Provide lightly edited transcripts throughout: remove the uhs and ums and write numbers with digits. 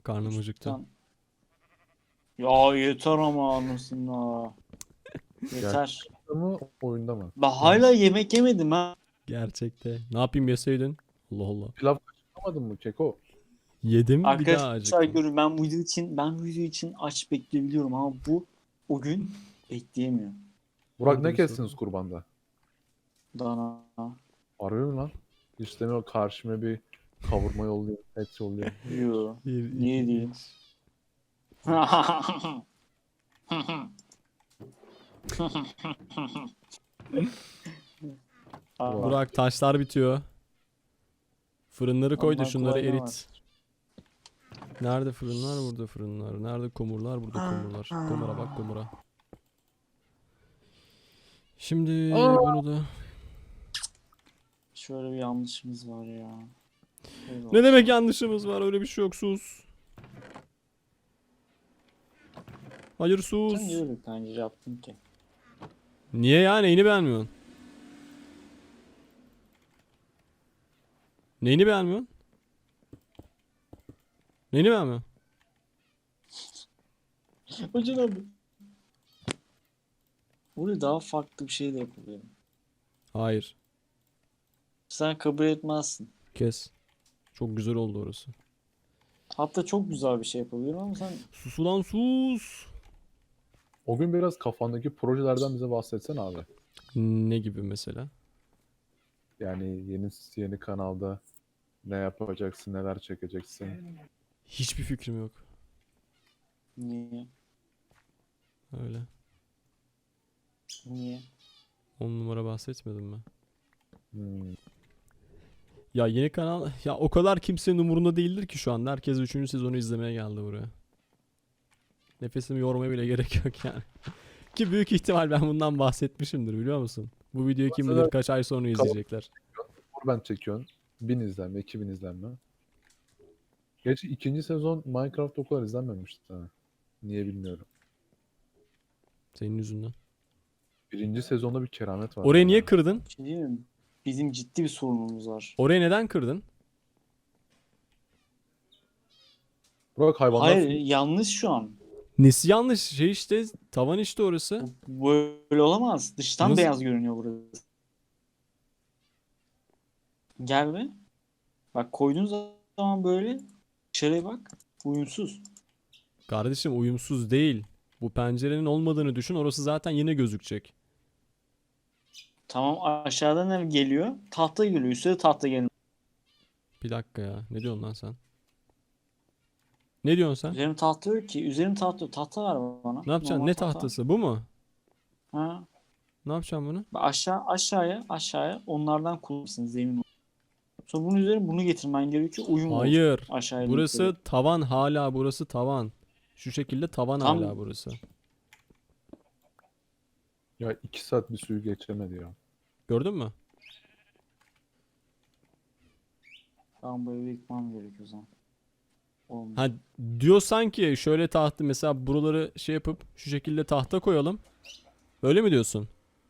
Karnım acıktı. Ya yeter ama anasını. Yeter. Ama oyunda mı? Ben hala yemek yemedim ha. Gerçekte. Ne yapayım yeseydin? Allah Allah. Pilav kaçırmadın mı Keko? Yedim bir daha Arkadaşlar acıktım. görün ben bu video için aç bekleyebiliyorum ama o gün bekleyemiyor. Burak Hadi ne bir kestiniz sorun. kurbanda? Dana. Arıyorum lan. İstemiyor karşıma bir kavurma yolluyor, et yolluyor. Yo. Bir, Niye iki, değil? üç. Burak taşlar bitiyor. Fırınları koy da Ondan şunları kolay ne erit. Nerede fırınlar? Burada fırınlar. Nerede komurlar? Burada komurlar. Komura bak komura. Şimdi bunu da... Şöyle bir yanlışımız var ya. Ne demek yanlışımız var? Öyle bir şey yok, sus. Hayır sus. Sen niye öyle bir pencere yaptın ki? Niye ya? Neyini beğenmiyorsun? Neyini beğenmiyorsun? Neyini beğenmiyorsun? Hocam abi. Burada daha farklı bir şey de yapabilirim. Hayır. Sen kabul etmezsin. Kes. Çok güzel oldu orası. Hatta çok güzel bir şey yapabilirim ama sen Sus ulan sus. O gün biraz kafandaki projelerden bize bahsetsen abi. Ne gibi mesela? Yani yeni kanalda ne yapacaksın, neler çekeceksin. Hiçbir fikrim yok. niye? Öyle. Niye? 10 numara bahsetmedim ben. Hmm. Ya yeni kanal ya o kadar kimsenin umurunda değildir ki şu anda. Herkes 3. sezonu izlemeye geldi buraya. Nefesimi yormaya bile gerek yok yani. Ki büyük ihtimal ben bundan bahsetmişimdir biliyor musun? Bu videoyu kim bilir kaç ay sonra izleyecekler. Ben çekiyorsun. 1000 izlenme, 2000 izlenme. Gerçi ikinci sezon Minecraft o kadar izlenmemişti. Ha. Niye bilmiyorum. Senin yüzünden. Birinci sezonda bir keramet var. Orayı niye kırdın? Bir şey değil mi? Bizim ciddi bir sorunumuz var. Orayı neden kırdın? Burak hayvanlar Hayır yanlış şu an. Nesi yanlış? Şey işte tavan işte orası. Böyle olamaz. Dıştan Nasıl? beyaz görünüyor burası. Gel be. Bak koyduğun zaman böyle dışarıya bak. Uyumsuz. Kardeşim uyumsuz değil. Bu pencerenin olmadığını düşün. Orası zaten yine gözükecek. Tamam aşağıdan ne geliyor? Tahta geliyor. Üstte de tahta geliyor. Bir dakika ya. Ne diyorsun lan sen? Ne diyorsun sen? Üzerim tahta yok ki. Üzerim tahta yok. Tahta ver bana. Ne yapacaksın? Normal Ne tahta. tahtası? Bu mu? Ha. Ne yapacağım bunu? Bak aşağıya onlardan kullanırsın zemin olarak. Sonra bunun üzerine bunu getirmen gerekiyor. Uyum olacak. Hayır. Aşağıya Burası yukarı. tavan hala burası tavan. Şu şekilde tavan Tam- hala burası. Ya 2 saat bir suyu geçemedi ya. Gördün mü? Tamam bu evi yıkmam gerekiyor o zaman. Olmuyor. Ha diyorsan ki şöyle tahtı mesela buraları şey yapıp şu şekilde tahta koyalım. Öyle mi diyorsun?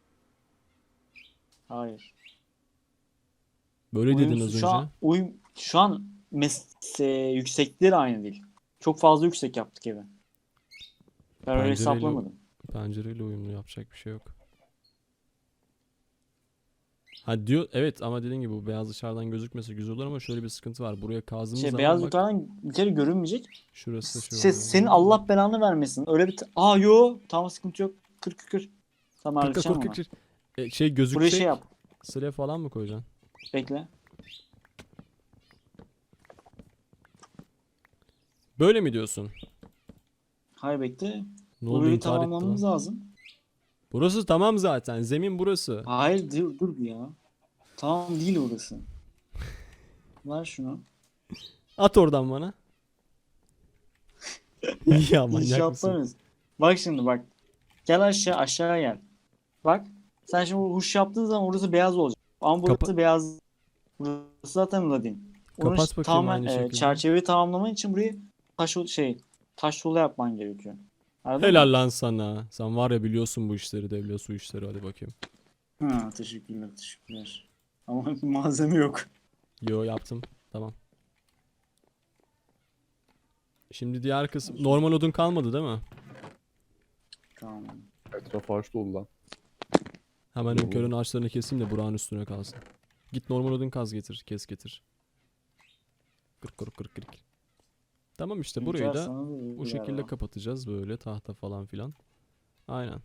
Hayır. Böyle dedin Uyumsuz. az Şu önce. an yükseklikleri aynı değil. Çok fazla yüksek yaptık evi. Ben öyle Pencereyle- hesaplamadım. Pencereyle uyumlu yapacak bir şey yok. Ha diyor evet ama dediğin gibi bu beyaz dışarıdan gözükmese güzel olur ama şöyle bir sıkıntı var. Buraya kazdığımız zaman Beyaz bak yukarıdan bir kere görünmeyecek. şurası şu. Senin Allah belanı vermesin. Öyle bir... Yo. Tamam sıkıntı yok. Kır. Tamam Kırk, halledeceğim kırk, onu. kırk, kırk. Şey Buraya gözükecek. şey yap. Slab falan mı koyacaksın? Bekle. Böyle mi diyorsun? Hayır bekle. Ne oldu Burayı intihar etti lan. tamamlamamız lazım. Burası tamam zaten. Zemin burası. Hayır dur bir ya. Tamam değil orası. Ver şunu. At oradan bana. Ya manyak mısın? İnşaatlarız. Bak şimdi bak. Gel aşağı gel. Bak. Sen şimdi huş yaptığın zaman orası beyaz olacak. Ama burası Kapa- beyaz. Burası zaten ladin. Onun Kapat için bakayım tamamen aynı şekilde. çerçeveyi tamamlaman için burayı taş tuğla yapman gerekiyor. Anladın mı? Helal lan sana. Sen var ya biliyorsun bu işleri, devlet su işleri. Hadi bakayım. Ha, teşekkürler. Ama malzeme yok. Yo yaptım. Tamam. Şimdi diğer kısım normal odun kalmadı değil mi? Tamam. Etraf ağaç dolu lan. Hemen Yo. önkörün ağaçlarını keseyim de Burak'ın üstüne kalsın. Git normal odun kaz getir, kes getir. Kırk kırk kırk kırk. Tamam işte burayı Hünkar da sana da iyi bu bir şekilde araba. kapatacağız böyle tahta falan filan. Aynen.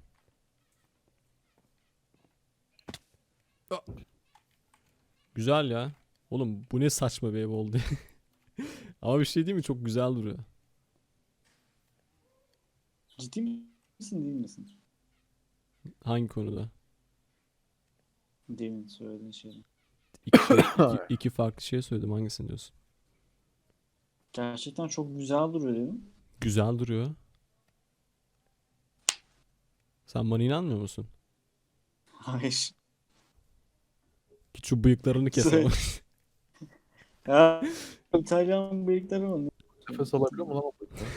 Ah. Güzel ya. Oğlum bu ne saçma bir ev oldu. Ama bir şey değil mi? Çok güzel duruyor. Ciddi misin değil misin? Hangi konuda? Demin söylediğin şey. İki farklı şey söyledim. Hangisini diyorsun? Gerçekten çok güzel duruyor dedim. Güzel duruyor. Sen bana inanmıyor musun? Hayır. Git şu bıyıklarını kes ama. Ya İtalyan bıyıkları mı? Nefes alabiliyor mu lan o bıyıklar?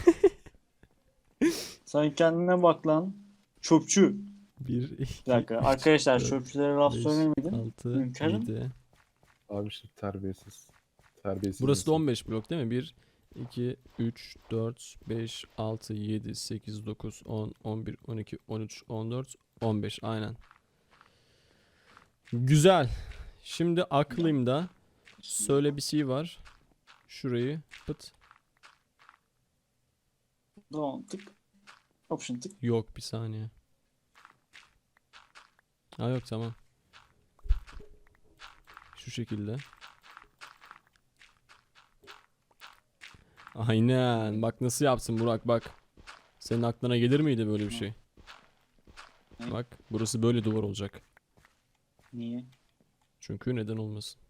Sen kendine bak lan. Çöpçü. Bir, Bir iki, dakika. üç, Arkadaşlar dört, çöpçülere laf 5, söylemedim. 6, Hünkârım. 7. Abi işte terbiyesiz. Terbiyesiz Burası da insan. 15 blok değil mi? 1, 2, 3, 4, 5, 6, 7, 8, 9, 10, 11, 12, 13, 14, 15. Aynen. Güzel. Şimdi aklımda söyle bir şey var. Şurayı pıt. Tamam tık. Option tık. Yok bir saniye. Ha yok tamam. Şu şekilde. Aynen. Bak nasıl yapsın Burak bak. Senin aklına gelir miydi böyle bir şey? Ne? Bak burası böyle duvar olacak. Niye? Çünkü neden olmasın?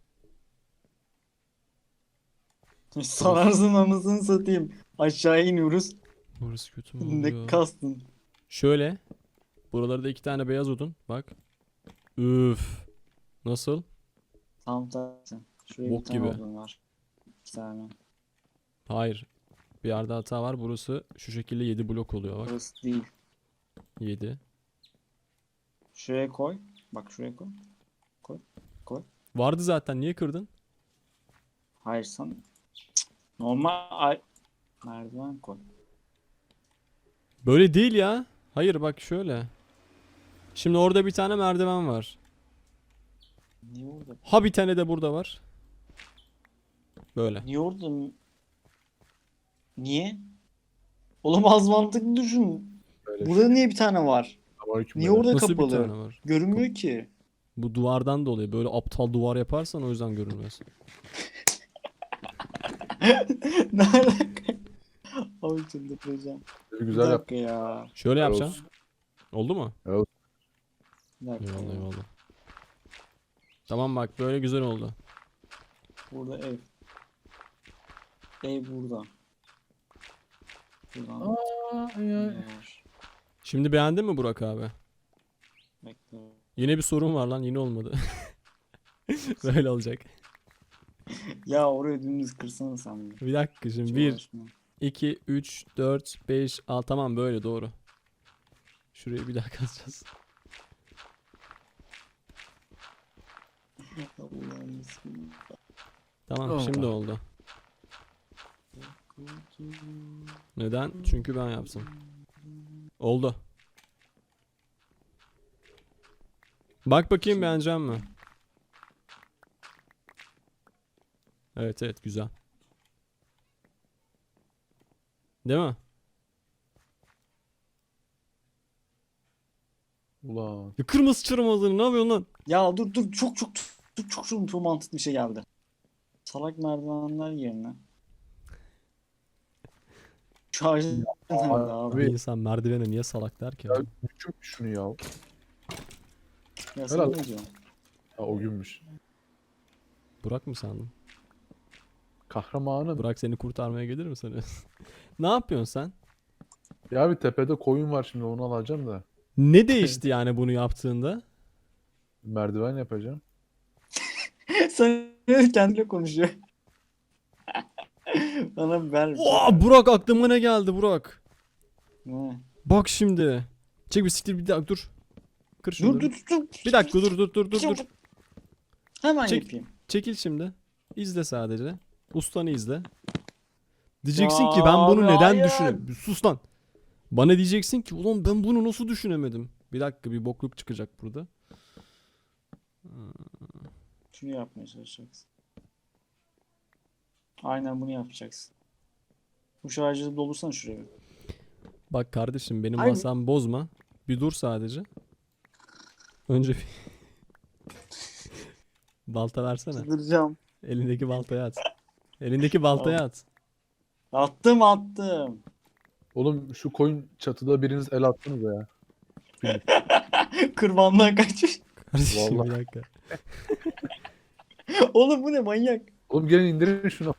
Sanarsın anasını satayım. Aşağı iniyoruz. Burası kötü mü Ne oluyor? kastın? Şöyle. Buralarda 2 tane beyaz odun. Bak. Üf. Nasıl? Tam tersi. Şuraya Bok bir tane gibi. odun var. Bir tane. Hayır. Bir yerde hata var. Burası şu şekilde 7 blok oluyor bak. Burası değil. 7. Şuraya koy. Bak şuraya koy. Vardı zaten. Niye kırdın? Hayır sen. Merdiven koy. Böyle değil ya. Hayır bak şöyle. Şimdi orada bir tane merdiven var. Niye orada? Ha bir tane de burada var. Böyle. Niye orada? Niye? Oğlum az mantıklı düşün. Böyle Burada niye bir tane var? Selamünaleyküm Niye beyler. orada Nasıl bir kapalı? tane var? Görünmüyor ki. Bu duvardan dolayı. Böyle aptal duvar yaparsan o yüzden görünmez. Ne alaka? Abi çıldıracağım. Bir Güzel yap. dakika ya. Şöyle Helal yapacağım. olsun. Oldu mu? Bir dakika Eyvallah ya. eyvallah. Tamam bak böyle güzel oldu. Burada ev. Ev burada. Buradan ne var? Şimdi beğendin mi Burak abi? Bekle. Yine bir sorun var lan yine olmadı. Böyle olacak. Ya oraya dümdüz kırsana sen bir. Bir dakika şimdi Hiç 1, uğraşma. 2, 3, 4, 5, 6 tamam böyle doğru. Şurayı bir daha kazacağız. Allah'ım bismillah. Tamam Oh. şimdi oldu. Neden? Çünkü ben yaptım. Oldu. Bak bakayım beğenecek mi? Evet evet güzel. Değil mi? Ulan. Ya kırmızı çırmazını ne yapıyorsun lan? Ya dur çok mantıklı bir şey geldi. Salak merdivenler yerine. Şarj nerede abi? Bir Abi. insan merdivene niye salak der ki? Ya küçük şunu ya. Ya sen Helal. ne diyorsun? Ha o günmüş. Burak mı sandın? Kahramanım. Burak seni kurtarmaya gelir mi sanıyorsun? Ne yapıyorsun sen? Ya bir tepede koyun var şimdi onu alacağım da. Ne değişti yani bunu yaptığında? Merdiven yapacağım. Sen kendine konuşuyor. Bana ver. Oo, Burak aklıma ne geldi Burak? Ne? Bak şimdi. Çek bir siktir bir dakika dur. Kır şunu. Dur. Bir dakika dur. Hemen Çek. yapayım. Çekil şimdi. İzle sadece. Ustanı izle. Diyeceksin ki Ya ben bunu abi, neden hayır. düşünemedim? Sus lan. Bana diyeceksin ki ulan ben bunu nasıl düşünemedim? Bir dakika bir bokluk çıkacak burada. Şunu yapmaya çalışacaksın. Aynen bunu yapacaksın. Bu şarjı dolursan şuraya. Bak kardeşim benim Hayır. masamı bozma. Bir dur sadece. Önce bir balta versene. Çıldıracağım. Elindeki baltayı at. Elindeki baltayı at. Attım. Oğlum şu koyun çatıda biriniz el attınız ya. Kurbandan kaçmış. Kardeşim Vallahi. bir dakika. Oğlum bu ne manyak. Oğlum gelin indirin şunu.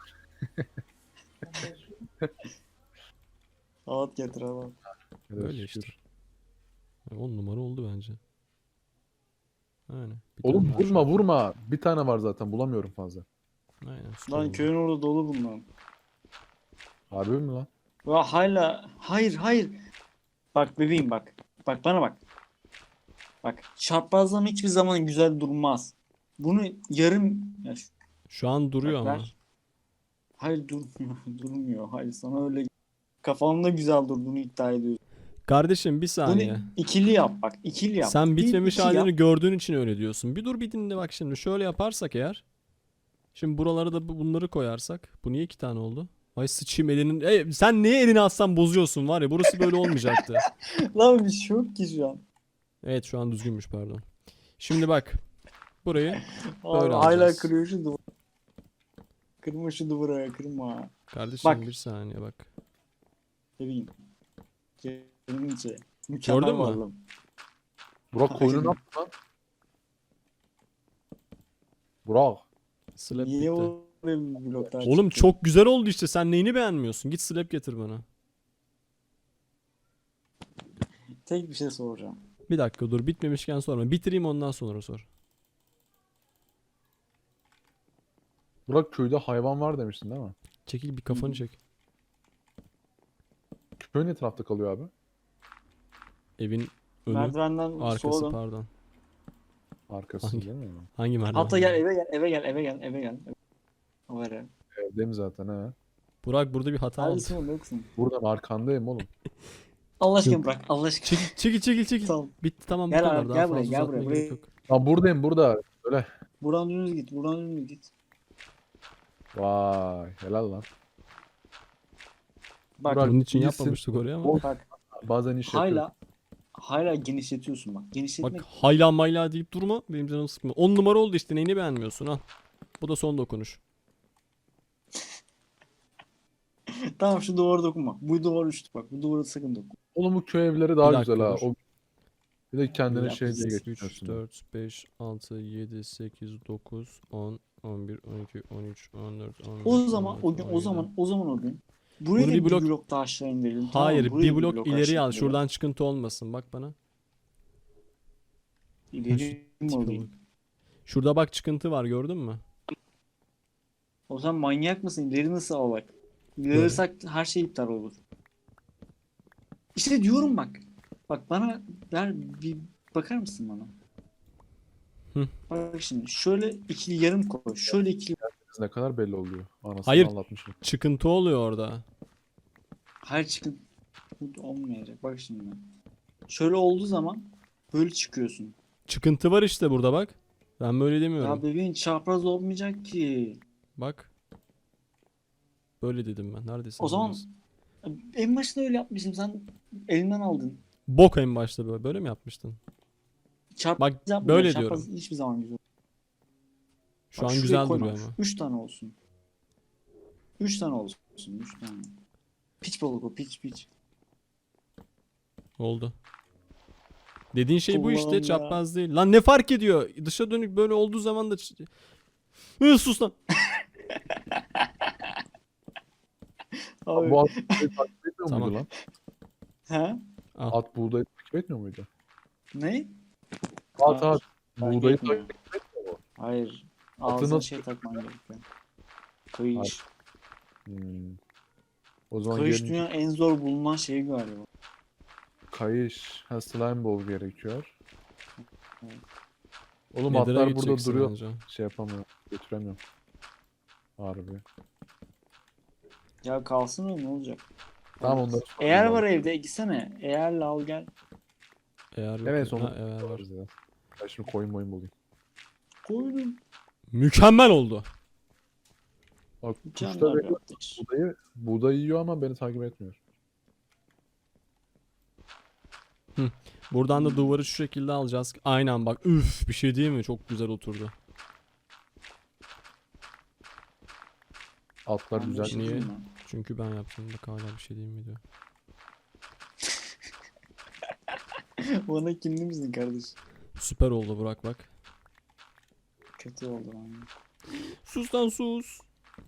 Saat getir adam. Böyle işte. 10 numara oldu bence. Aynen. Bir Oğlum tane daha vurma şöyle. vurma. Bir tane var zaten bulamıyorum fazla. Aynen süper Lan oldu. köyün orada dolu bunlar. Harbi mi lan? Ya hala hayır. Bak bebeğim bak. Bak bana bak. Bak çarpazlama hiçbir zaman güzel durmaz. Bunu yarım ya Şu an duruyor bak ama. ver. Hayır durmuyor. Durmuyor. Hayır sana öyle kafanda güzel durduğunu iddia ediyorsun. Kardeşim bir Bunu saniye. ikili yap bak. İkili yap. Sen Bir, bitmemiş iki halini yap. gördüğün için öyle diyorsun. Bir dur bir dinle bak şimdi. Şöyle yaparsak eğer. Şimdi buralara da bunları koyarsak. Bu niye 2 tane oldu? Ay sıçayım elinin. Sen niye elini atsan bozuyorsun var ya. Burası böyle olmayacaktı. Lan bir şey yok ki şu an. Evet şu an düzgünmüş pardon. Şimdi bak. Burayı Abi, böyle hala alacağız. kırıyor şu duvarı. Kırma şu duvarı ya, kırma. Kardeşim Bak. bir saniye bak. Bebeğim. Canımın içi. Mükemmel Gördün mü? varlığım. Burak koyunu ne yaptı lan? Burak. Slap Niye bitti. oraya bir bloklar Oğlum çıktı? çok güzel oldu işte. Sen neyini beğenmiyorsun? Git slap getir bana. Tek bir şey soracağım. Bir dakika dur bitmemişken sorma. Bitireyim ondan sonra sor. Burak köyde hayvan var demiştin değil mi? Çekil bir kafanı Hı. çek. Köy ne tarafta kalıyor abi? Evin önü Merdivenden arkası sola dön. pardon. Arkası Hangi? değil mi? Hangi merdiven? Hatta gel eve gel. O var ya. Evdeyim zaten ha. Burak burada bir hata oldu. Neredesin oğlum yoksun? Buradan arkandayım oğlum. Allah aşkına bırak. Allah aşkına. Çekil. Tamam. Bitti tamam bu Gel kadar. abi, Daha gel fazla buraya, gel uzatmaya buraya, gerek buraya. yok. Lan buradayım burada. Öyle. Buradan dümdüz git. Buradan dümdüz git. Vay helal lan. Bak Burak, Bunun için iyisin. yapmamıştık oraya ama. bak. Bazen iş yapıyor. Hala genişletiyorsun bak. Bak Genişletmek. hayla mayla deyip durma. Benim canımı sıkma. 10 numara oldu işte. Neyini beğenmiyorsun ha? Bu da son dokunuş. Tamam şu duvara dokunma. Bu duvar uçtu bak. Bu duvara sakın dokunma. Oğlum bu köy evleri daha Bir dakika güzel ha. dur. O... Bir de kendine Yap, şey diye 3, geçiyorsun. 4, 5, 6, 7, 8, 9, 10, 11, 12, 13, 14, 15, O zaman 16, o gün 17. o gün. Buraya Burada da bir bir blok- blok daha aşağı indirelim. Tamam mı? Hayır Buraya bir da blok ileri aşağı al. indirelim. Şuradan çıkıntı olmasın. Bak bana. İleri mi Tipe alayım? bak. Şurada bak çıkıntı var gördün mü? O zaman manyak mısın? İleri nasıl al bak. İleri Böyle. alırsak her şey iptal olur. İşte diyorum bak. Bak bana ver bir bakar mısın bana? Hı. Bak şimdi şöyle ikili yarım koy. Şöyle ikili. Ne kadar belli oluyor. Anasını Hayır. anlatmışım. Çıkıntı oluyor orada. Hayır çıkın. Bu olmayacak. Bak şimdi. Şöyle olduğu zaman böyle çıkıyorsun. Çıkıntı var işte burada bak. Ben böyle Ya demiyorum. bebeğin çapraz olmayacak ki. Bak. Böyle dedim ben. Neredesin? O zaman Neredesin? en başta öyle yapmışım. Sen elinden aldın. Bok en başta böyle. Böyle mi yapmıştın? Çapraz Bak, yapma. böyle Çapraz diyorum. hiçbir zaman güzel. Şu Bak an şuraya güzel koyma. duruyor ama. 3 tane olsun. 3 tane olsun. 3 tane. Piç balık o piç. Oldu. Dediğin şey bu işte. Allah'ım ya. Çapraz değil. Lan ne fark ediyor? Dışa dönük böyle olduğu zaman da... Sus lan. Abi. Bu at buğdayı takip etmiyor Tamam. muydu lan? He? Al. At buğdayı takip etmiyor muydu? Ne? At Takip buğdayı etmiyor. takip etmiyor mu? Hayır. Atı Ağzına nasıl- şey takman gerekiyor. Kayış. Hmm. O zaman Kayış gelin dünyanın en zor bulunan şeyi galiba. kayış. Ha slime ball gerekiyor. Evet. Oğlum Nether'a atlar burada gideceksin duruyor. anca. Şey yapamıyorum. Götüremiyorum. Harbi. Ya kalsın o, ne olacak? Tamam onları Eğer sorayım var abi. evde gitsene. Eğerle al gel. Eğer yok. Evet Ha, sonra eğer var. sorarız ya. Ben şimdi koyun bulayım. Koydum. Mükemmel oldu. Bak kuşlar Mükemmel bir veriyor ateş. buğdayı yiyor ama beni takip etmiyor. Buradan da duvarı şu şekilde alacağız. Aynen bak. Üf, bir şey değil mi? Çok güzel oturdu. Atlar Ben bir güzel. şey Niye? diyeyim mi? Çünkü ben yaptım. Bak hala bir şey değil mi diyor. Bana kinli misin kardeş? Süper oldu Burak bak. Kötü oldu lan. Sus lan sus.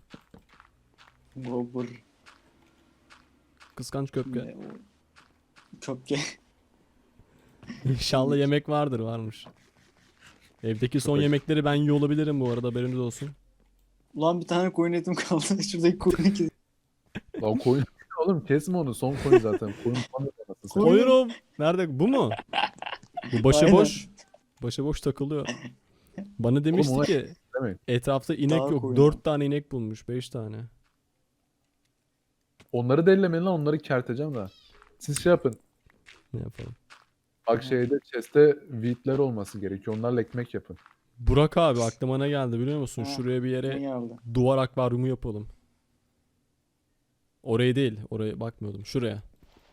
Gobur. Kıskanç köpke. Ne o? Köpke. İnşallah yemek vardır, varmış. Evdeki son Köpek. yemekleri ben yiyor olabilirim bu arada, haberiniz olsun. Ulan bir tane koyun etim kaldı. Şuradaki koyunu kes. Lan koyun oğlum kesme onu. Son koyun zaten. Koyun falan da anasını satayım. Koyun. Koyurum. Nerede? Bu mu? Bu başıboş. Başıboş takılıyor. Bana demişti ona- ki Demeyin. etrafta inek Dağ yok. koyunu. 4 tane inek bulmuş. 5 tane. Onları dellemeyin lan, onları kerteceğim de. Siz şey yapın. Ne yapalım? Bak şeyde chest'te wheat'ler olması gerekiyor. Onlarla ekmek yapın. Burak abi aklıma ne geldi biliyor musun? Ha, Şuraya bir Ne yere geldi? duvar akvaryumu yapalım. Oraya değil. Oraya bakmıyordum. Şuraya.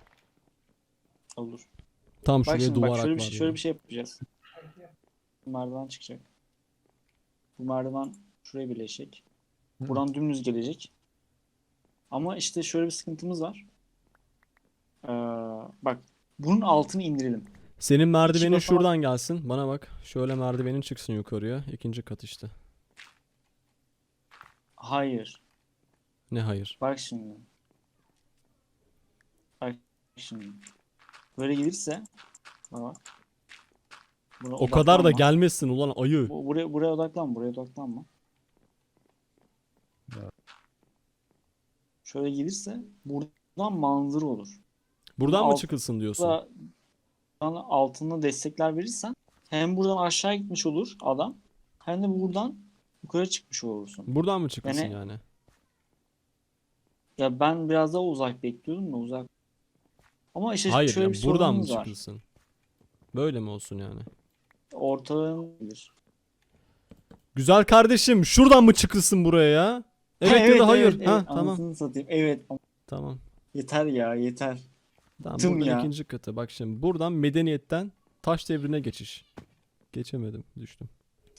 Olur. Tam Bak şuraya şimdi duvar bak şöyle bir akvaryumu. şöyle bir şey yapacağız. Merdiven çıkacak. Bu merdiven şuraya birleşecek. Hı. Buradan dümdüz gelecek. Ama işte şöyle bir sıkıntımız var. Ee, bak bunun altını indirelim. Senin merdivenin basamak- şuradan gelsin. Bana bak. Şöyle merdivenin çıksın yukarıya. İkinci kat işte. Hayır. Ne hayır? Bak şimdi. Bak şimdi. Böyle gelirse bak. Buna O kadar da odaklanma. gelmesin ulan ayı. Buraya odaklan. Buraya odaklanma. Evet. Şöyle gelirse buradan manzara olur. Buradan mı alt- çıkılsın diyorsun? Buradan altına destekler verirsen hem buradan aşağı gitmiş olur adam hem de buradan yukarı çıkmış olursun. Buradan mı çıkılsın Yani- yani? Ya ben biraz daha uzak bekliyordum da uzak. Ama işte Hayır şöyle ya, bir buradan mı sorunumuz var. çıkılsın? Böyle mi olsun yani? Ortalığın Güzel kardeşim, şuradan mı çıkılsın buraya ya? Evet ya da hayır. Ha tamam. Anasını satayım. Evet. Tamam. Yeter ya yeter. Tamam Tım buradan ya. ikinci katı. Bak şimdi buradan medeniyetten taş devrine geçiş. Geçemedim, düştüm.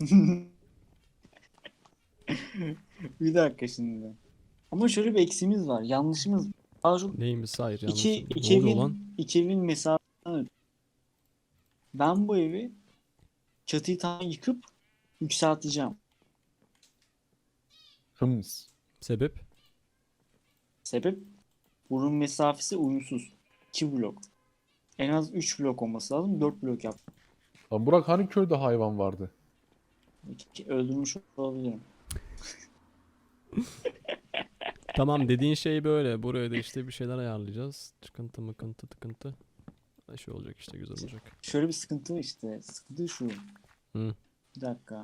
Bir dakika şimdi. Ama şöyle bir eksiğimiz var. Yanlışımız. Daha çok Neymiş hayır iki, yanlışım. iki Ne oluyor lan? iki evin mesafesinden ötürü. Ben bu evi çatıyı tam yıkıp yükselteceğim. Hıms. Sebep? Sebep bunun mesafesi uyumsuz. 2 blok. En az 3 blok olması lazım. 4 blok yap. Lan Burak hani köyde hayvan vardı? Öldürmüş olabilirim. Tamam dediğin şey böyle. Buraya da işte bir şeyler ayarlayacağız. Çıkıntı mıkıntı tıkıntı. Şey olacak işte, güzel olacak. Şöyle bir sıkıntı işte. Sıkıntı şu. Hı. Bir dakika.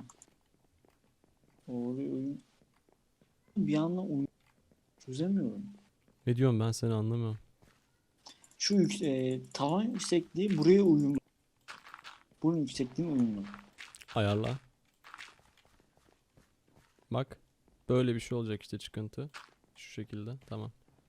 Oyun. Bir yandan oyun çözemiyorum. Ne diyorum ben, seni anlamıyorum. Şu tavan yüksekliği buraya uyumlu. Bunun yüksekliğine uyumlu. Ayarla. Bak. Böyle bir şey olacak işte, çıkıntı. Şu şekilde. Tamam.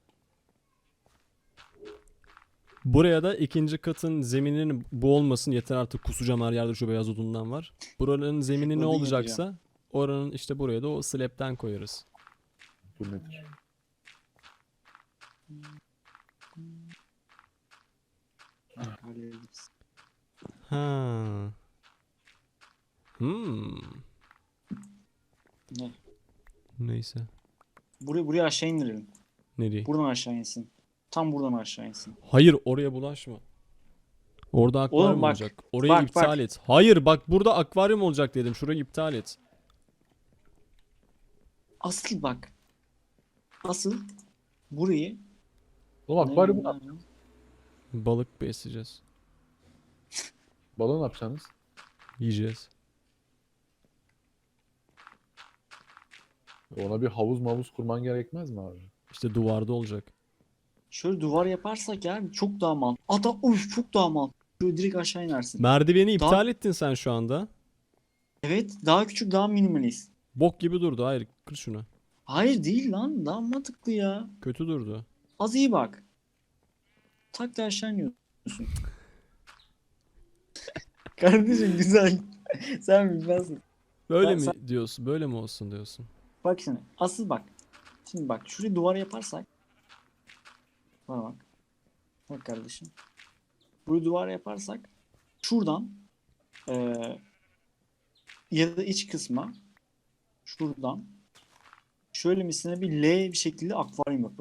Buraya da ikinci katın zemininin bu olmasın, yeter artık, kusacağım her yerde şu beyaz odundan var. Buranın zemini ne Odun olacaksa oranın işte buraya da o slab'den koyarız. Bu nedir? Hallederiz. Ha. Ne? Neyse. Buraya aşağı indirelim. Nereye? Buradan aşağı insin. Tam buradan aşağı insin. Hayır, oraya bulaşma. Orada akvaryum bak, olacak. Orayı bak, iptal bak. et. Hayır bak, burada akvaryum olacak dedim. Şurayı iptal et. Asıl bak. Asıl burayı Oğlum akvaryumu ne ne- yapacaksınız? Balık besleyeceğiz. Balığı ne yapacaksınız? Yiyeceğiz. Ona bir havuz mavuz kurman gerekmez mi abi? İşte duvarda olacak. Şöyle duvar yaparsak yani çok daha mantıklı. Ata uf çok daha mantıklı. Şöyle direkt aşağı inersin. Merdiveni Daha iptal ettin sen şu anda. evet daha küçük daha minimalist. Bok gibi durdu. Hayır, kır şunu. Hayır değil lan daha mantıklı ya. Kötü durdu. Az iyi bak. Tak da aşağı iniyorsun. Kardeşim güzel. Sen bilmezsin. Böyle Ben, mi sen, diyorsun? Böyle mi olsun diyorsun? bak şimdi. Asıl bak. Şimdi bak şurayı duvar yaparsak. Bana bak. Bak kardeşim. Burayı duvar yaparsak. Şuradan ya da iç kısma. Şuradan. Şöyle misine bir L bir şekilde akvaryum yapalım.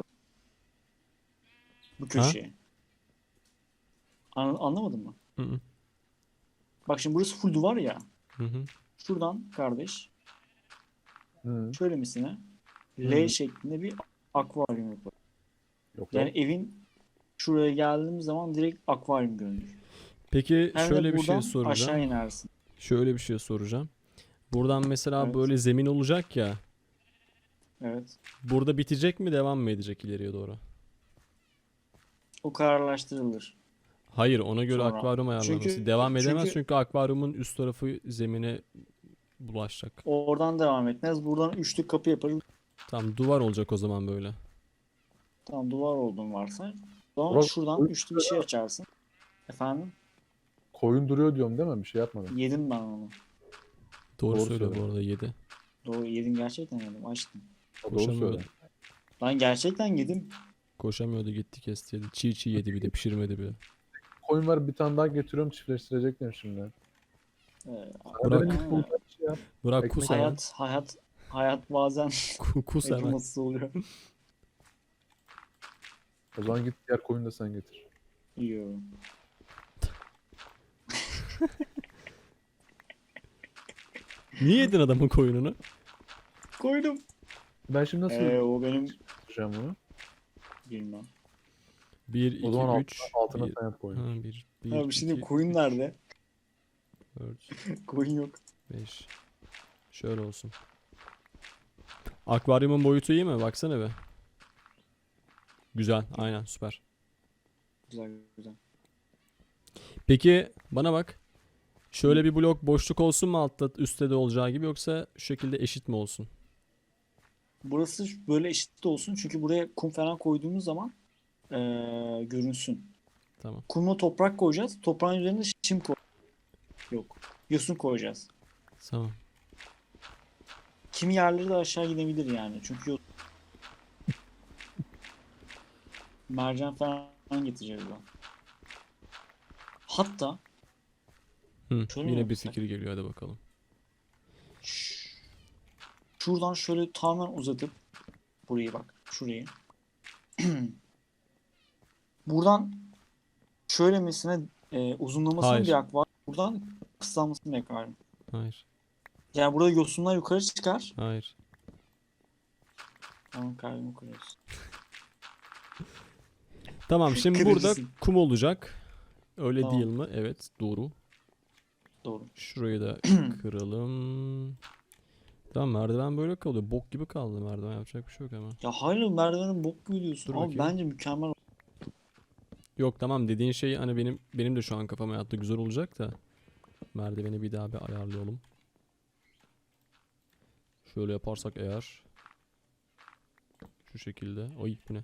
Bu Ha? köşeye. Anlamadın mı? Hı hı. Bak şimdi burası full duvar ya. Hı hı. Şuradan kardeş. Hı. Şöyle misine L Hı. şeklinde bir akvaryum yapalım. Yok Yani lan. evin şuraya geldiğimiz zaman direkt akvaryum görünür. Peki Hem de şöyle bir şey buradan aşağı soracağım. inersin. Şöyle bir şey soracağım. Buradan mesela Evet. böyle zemin olacak ya. Evet. Burada bitecek mi, devam mı edecek ileriye doğru? O kararlaştırılır Hayır, ona göre sonra. akvaryum ayarlaması. Çünkü Devam edemez çünkü çünkü akvaryumun üst tarafı zemine bulaşacak. oradan devam etmez. Buradan üçlü kapı yaparız. Tamam, duvar olacak o zaman böyle. Tam duvar olduğunu varsay. O zaman Burak, şuradan koyun, üçlü bir şey açarsın. Efendim? koyun duruyor diyorum değil mi? Bir şey yapmadım. Yedim ben onu. Doğru Doğru söyle bu söyle. arada, 7. Doğru yedim gerçekten yedim. Açtım. Doğru Koşamıyordu. söyle. Ben gerçekten yedim. Koşamıyordu, gitti kesti yedi. Çiğ çiğ yedi, bir de pişirmedi bile. Koyun var, bir tane daha getiriyorum, çiftleştirecekler şimdi. Ee, Sen Bırak. benim bulduğum bir şey yap. Bırak, Ekmek kus hemen. hayat bazen Kus hemen. acımasız oluyor. O zaman git diğer koyunu da sen getir. Yiyorum. Niye yedin adamın koyununu? Koydum. Ben şimdi nasıl O benim yapacağım bunu? bilmem. 1, 2, O zaman 3, altına 1. sen yap koyunu. Ha, 1, Ha 1, bir şey diyeyim 2, koyun 3, nerede? 4, Koyun yok. 5. Şöyle olsun. Akvaryumun boyutu iyi mi? Baksana be. Güzel. Aynen, süper. Güzel güzel. Peki bana bak. Şöyle bir blok boşluk olsun mu altta, üstte de olacağı gibi, yoksa şu şekilde eşit mi olsun? Burası böyle eşit olsun çünkü buraya kum falan koyduğumuz zaman görünsün. Tamam. Kumla toprak koyacağız. Toprağın üzerine çim koy. Yok. Yosun koyacağız. Tamam. Kimi yerleri de aşağı gidebilir yani. Çünkü mercan falan getireceğiz ben. Hatta Hı, şöyle mi yine bir yapsak? fikir geliyor, hadi bakalım. Şuradan şöyle tamamen uzatıp burayı bak. Şurayı. Buradan şöyle mesela uzunlamasının Hayır. bir akvaryum. Buradan kısalmasının bir akvaryum. Hayır. Yani burada yosunlar yukarı çıkar. Hayır. Tamam kalbimi kırıyorsun. Tamam, şimdi burada Kırıcısın. kum olacak. Öyle Tamam. değil mi? Evet, doğru. Doğru. Şurayı da kıralım. Tamam, merdiven böyle kalıyor. Bok gibi kaldı merdiven, yapacak bir şey yok ama. Ya hayır merdivenin bok gibi diyorsun. Dur Ama bakayım. bence mükemmel. Yok, tamam, dediğin şey hani benim de şu an kafama yattı, güzel olacak da. Merdiveni bir daha bir ayarlayalım. Şöyle yaparsak eğer. Şu şekilde. Ay, bu ne?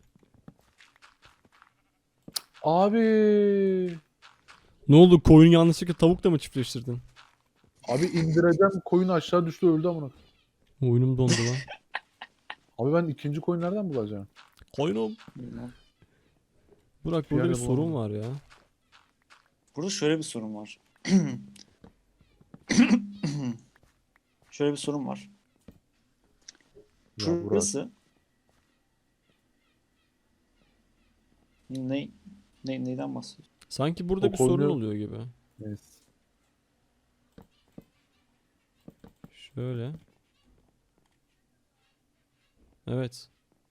Abi. Ne oldu, koyunu yanlışlıkla tavukla mı çiftleştirdin? Abi indireceğim, koyun aşağı düştü, öldü amına. Oyunum dondu lan. Abi ben ikinci koyun nereden bulacağım? Koyunum. Bilmem. Burak, Bir burada bir yerde sorun bulamadım. var ya. Burada şöyle bir sorun var. Şöyle bir sorun var. Ya Burak. Şurası neyden bahsediyorsun? Sanki burada O bir sorun koyunu- oluyor gibi. Neyse. Şöyle. Evet.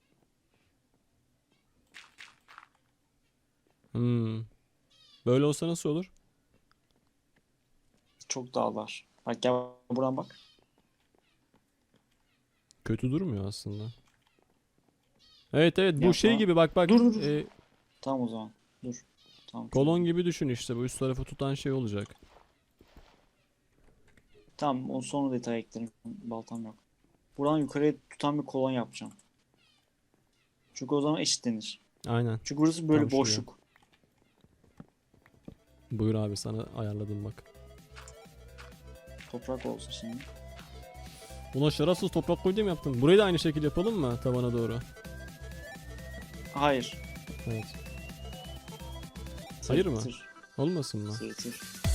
Hmm. Böyle olsa nasıl olur? Çok dağlar. Bak gel buradan bak. Kötü durmuyor aslında. Evet evet bu Ya şey tamam. gibi bak. Dur, dur, dur. Tamam o zaman. Dur. Tamam. kolon gibi düşün işte bu üst tarafı tutan şey olacak. Tamam, o sonra detay eklerim. Baltam yok. Buradan yukarıya tutan bir kolon yapacağım. Çünkü o zaman eşitlenir. Aynen. Çünkü burası böyle Tam şuraya. boşluk. Buyur abi sana ayarladım bak. Toprak olsun şimdi. Buna şarapsız toprak koy diye mi yaptın? Burayı da aynı şekilde yapalım mı tavana doğru? Hayır. Evet. Hayır mı? Sırıtır. Olmasın mı? Sırıtır.